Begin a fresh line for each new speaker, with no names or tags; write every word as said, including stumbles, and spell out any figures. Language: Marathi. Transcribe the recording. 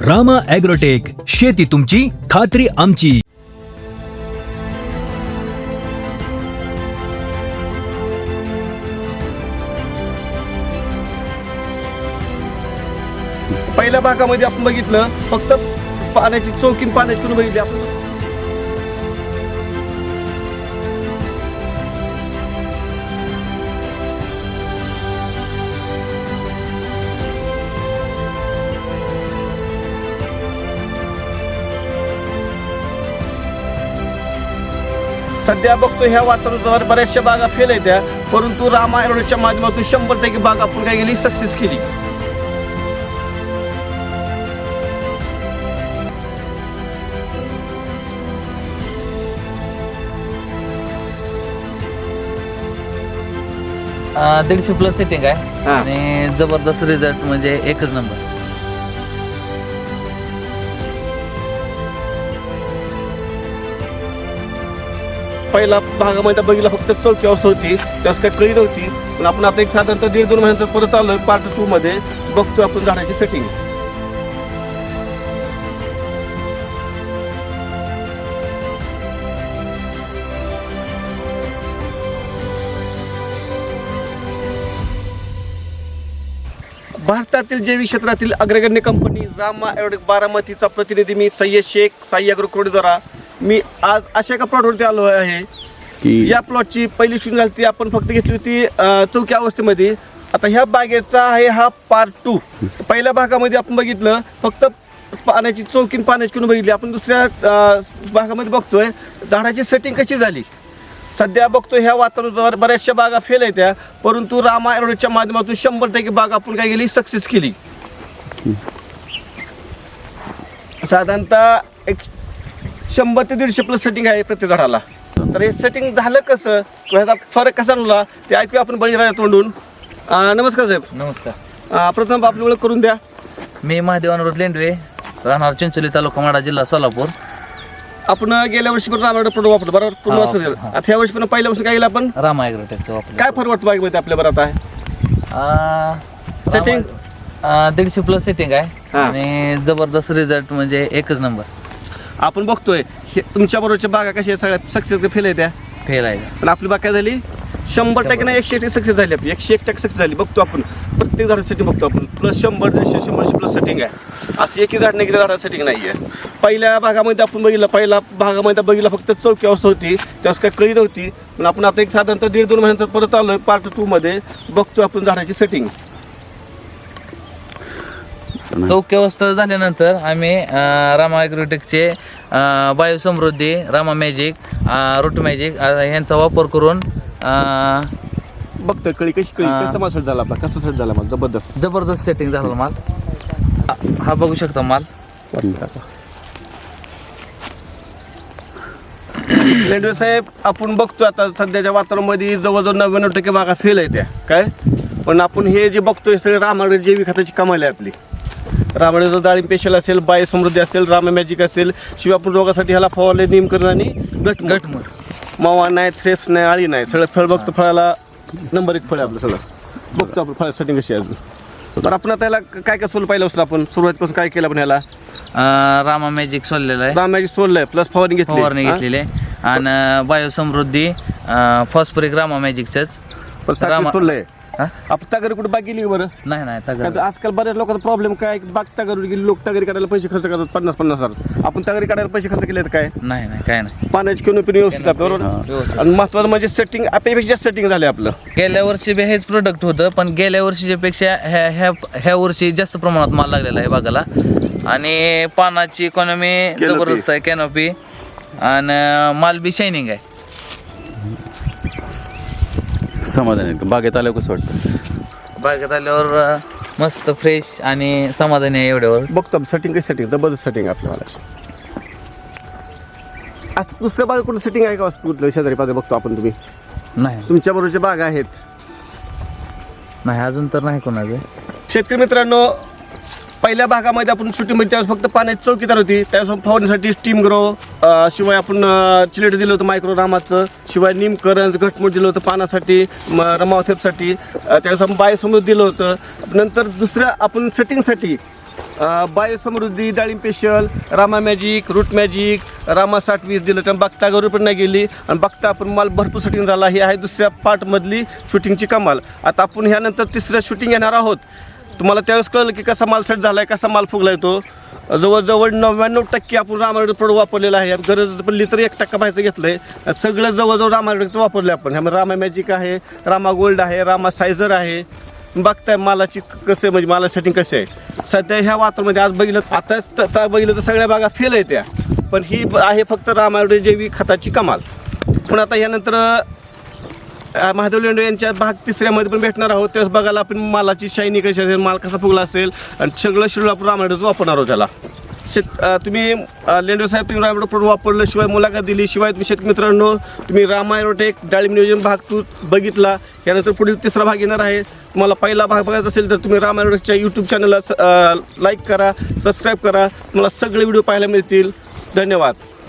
रामा ॲग्रोटेक, शेती तुमची, खात्री आमची.
पहिल्या भागामध्ये आपण बघितलं फक्त पाण्याची चौकीन पाण्याची करून बघितली आपण. सध्या बघतो ह्या वातावरणावर बऱ्याचशा बागा फेल आहेत त्या, परंतु रामा ॲग्रोटेकच्या माध्यमातून शंभर टक्के बाग आपण काय केली, सक्सेस केली.
दीडशे प्लस सेटिंग आहे
हा.
आणि जबरदस्त रिझल्ट म्हणजे एकच नंबर.
पहिला भागामध्ये बघितला फक्त चौथी अवस्था होती, त्यास काही कळी नव्हती. पण आपण आता एक साधारणतः दीड दोन महिन्यानंतर परत आलोय पार्ट टू मध्ये, बघतो आपण झाडाची सेटिंग. भारतातील जैविक क्षेत्रातील अग्रगण्य कंपनी रामा ॲग्रोटेक बारामतीचा प्रतिनिधी मी सय्यद शेख, साई ॲग्रो द्वारा मी आज अशा एका प्लॉटवरती आलो आहे की या प्लॉटची पहिली शून्य झाली ती आपण फक्त घेतली होती अं, चौक्या अवस्थेमध्ये. आता ह्या बागेचा आहे हा पार्ट टू. पहिल्या भागामध्ये आपण बघितलं फक्त पाण्याची चौकीन पाण्याची करून बघितली आपण. दुसऱ्या अं, भागामध्ये बघतोय झाडाची सेटिंग कशी झाली. सध्या बघतो ह्या वातावरणावर बऱ्याचशा बागा फेल आहेत त्या, परंतु रामा ॲग्रोटेकच्या माध्यमातून शंभर टक्के बाग आपण काय केली, सक्सेस केली. साधारणतः एक शंभर ते दीडशे प्लस सेटिंग आहे प्रत्येक झाडाला. तर हे सेटिंग झालं कसं, ह्याचा फरक कसा आणला ते ऐकूया आपण बळीराजा तोंडून. अं, नमस्कार साहेब.
नमस्कार.
अं, प्रथम आपली ओळख करून द्या.
मी महादेव अनुरोध लेंडवे, राहणार चिंचोली, तालुका माढा, जिल्हा सोलापूर.
आपण गेल्या वर्षी पण रामा प्रोडक्ट वापरतो बरोबर, पूर्ण
हा,
वर्ष झालं.
हा.
आता ह्या वर्षी पण पहिल्या वर्षी काय केलं आपण,
रामा ॲग्रोटेकचा वापर.
काय फरक वाटतो बागेमध्ये आपल्या बरं आता Setting?
दीडशे प्लस सेटिंग आहे
हा.
आणि जबरदस्त रिझल्ट म्हणजे एकच नंबर.
आपण बघतोय हे तुमच्या बरोबरच्या बागा कशा आहेत, सगळ्या सक्सेस फेल आहे त्या,
फेल आहे.
पण आपली बाग काय झाली, शंभर टक्के नाही एकशे टक्के सक्सेस झाली आपली, एकशे एक टक्के सक्सेस झाली. बघतो आपण प्रत्येक झाडासाठी बघतो आपण प्लस शंभर दीडशे शंभरशे प्लस सेटिंग आहे. असं एकही झाड नाही गेलं झाडाचं सेटिंग नाही आहे. पहिल्या भागामध्ये आपण बघितलं पहिला भागामध्ये बघितलं फक्त चौकी अवस्था होती, त्यास काही कळी नव्हती. पण आपण आता एक साधारणतः दीड दोन महिन्यानंतर परत आलोय पार्ट टू मध्ये, बघतो आपण झाडाची सेटिंग.
चौकी अवस्था झाल्यानंतर आम्ही अं, रामा ॲग्रोटेकचे बायोसमृद्धी, रामा मॅजिक, रूट मॅजिक यांचा वापर करून अं,
बघतोय कळी कशी कळी
हा.
कसा माल सेट झाला आपला, कसा सेट झाला माल, जबरदस्त.
जबरदस्त सेटिंग झालं माल. हा बघू शकता माल.
लेंडवे साहेब, आपण बघतो आता सध्याच्या वातावरणामध्ये जवळजवळ नव्याण्णव टक्के बागा फेल आहे त्या काय, पण आपण हे जे बघतोय सगळे रामाकडे जैविक खताची कमाल आहे आपली. रामाकडे डाळिंब स्पेशल असेल, बाय समृद्धी असेल, रामा मॅजिक असेल, शिवाय आपण रोगासाठी ह्याला फवारले निमकरण आणि गट
गटमूळ.
मावा नाही, थ्रेप्स नाही, आळी नाही, सगळं फळ बघतो. फळाला नंबर एक फळ आहे आपलं सगळं. बघतो आपण फळ सेटिंग कशी आहे अजून. तर आपण आता याला काय काय सोडलं पाहिलं असतं, आपण सुरुवातीपासून काय केलं आपण ह्याला,
अं, रामा मॅजिक सोडलेलं आहे,
रामा मॅजिक सोडलंय प्लस फवारणी घेतली
फवारणी घेतलेली आहे आणि बायोसमृद्धी फॉस्फरिक रामा मॅजिकचंच. रामा-
सोडलंय.
हा?
आपण तगारी कुठे बाग गेली का बरं,
नाही नाही
कारण
तगड.
आजकाल बऱ्याच लोकांचा प्रॉब्लेम काय, बाग तगारी गेली, लोक तगारी काढायला पैसे खर्च करतात पन्नास पन्नास हजार. आपण तगारी काढायला पैसे खर्च केले तर काय,
नाही नाही काय नाही.
पाण्याची किंवा पिणे व्यवस्थित आहे, बरोबर.
व्यवस्थित.
आणि महत्वाचं म्हणजे सेटिंग आपल्यापेक्षा जास्त सेटिंग झाले आपलं.
गेल्या वर्षी बी हेच प्रोडक्ट होतं, पण गेल्या वर्षीच्या पेक्षा ह्या ह्या ह्या वर्षी जास्त प्रमाणात माल लागलेला आहे बागाला. आणि पानाची इकॉनॉमी
Canopy.
जबरदस्त आहे, कॅनोपी, आणि माल बी शायनिंग आहे.
समाधान आहे. बागेत आल्यावर कसं वाटतं?
बागेत आल्यावर अं, मस्त फ्रेश आणि समाधानी आहे एवढ्यावर.
बघतो सेटिंग कशी सेटिंग जबरदस्त सेटिंग आपल्याला. आज दुसऱ्या बाग कुठं सेटिंग आहे का कुठलं शेजारी पाहिजे बघतो आपण, तुम्ही
नाही
तुमच्या बरोबरच्या बाग आहेत.
नाही अजून तर नाही कोणाचं.
शेतकरी मित्रांनो, पहिल्या भागामध्ये आपण शूटिंगमध्ये त्यावेळेस फक्त पाण्याची चौकीदार होती, त्यावेळेस फवारणीसाठी स्टीम ग्रो, शिवाय आपण चिलेट दिलं होतं मायक्रो रामाचं, शिवाय निमकरंज घटमुट दिलं होतं पानासाठी, रमावथेपसाठी, त्यावेळेस आपण बायोसमृद्धी दिलं होतं. नंतर दुसऱ्या आपण सेटिंगसाठी बायोसमृद्धी, डाळिंब special, Rama Magic, Root Magic, Rama साठ वीस दिलं तर बघतावर पण नाही गेली आणि बघता आपण माल भरपूर शूटिंग झाला. ही आहे दुसऱ्या पार्टमधली शूटिंगची कमाल. आता आपण ह्यानंतर तिसऱ्या शूटिंग येणार आहोत. तुम्हाला त्यावेळेस कळलं की कसा माल सेट झाला आहे, कसा माल फुगला आहे. तो जवळजवळ नव्याण्णव टक्के आपण रामायण प्रोडक्ट वापरलेला आहे. गरज पडली तर एक टक्का बाहेरचं घेतलं आहे. सगळं जवळजवळ रामायणचं वापरलं आहे आपण. ह्यामध्ये रामा मॅजिक आहे, रामा गोल्ड आहे, रामा सायझर आहे. बघताय मालाची कसं म्हणजे माला सेटिंग कसे आहे सध्या ह्या वातावरणामध्ये. आज बघितलं आताच बघितलं तर सगळ्या बागा फेल आहे त्या, पण ही आहे फक्त रामायण जैविक खताची कमाल. पण आता ह्यानंतर महादेव लेंडे यांच्या भाग तिसऱ्यामध्ये पण भेटणार आहोत. त्यावेळेस बघायला आपण मालाची शायनी कशी असेल, माल कसा फुगला असेल आणि सगळं शेड्यूल आपण रामायणच वापरणार आहोत. त्याला शेत तुम्ही लेंडे साहेब तुम्ही रामायण प्रोडक्ट वापरलं, शिवाय मुलाखत दिली, शिवाय तुम्ही शेतकरी मित्रांनो तुम्ही रामा ॲग्रोटेक डाळिंब नियोजन भाग तू बघितला. यानंतर पुढील तिसरा भाग येणार आहे. तुम्हाला पहिला भाग बघायचा असेल तर तुम्ही रामा ॲग्रोटेकच्या यूट्यूब चॅनलला लाईक करा, सबस्क्राईब करा. तुम्हाला सगळे व्हिडिओ पाहायला मिळतील. धन्यवाद.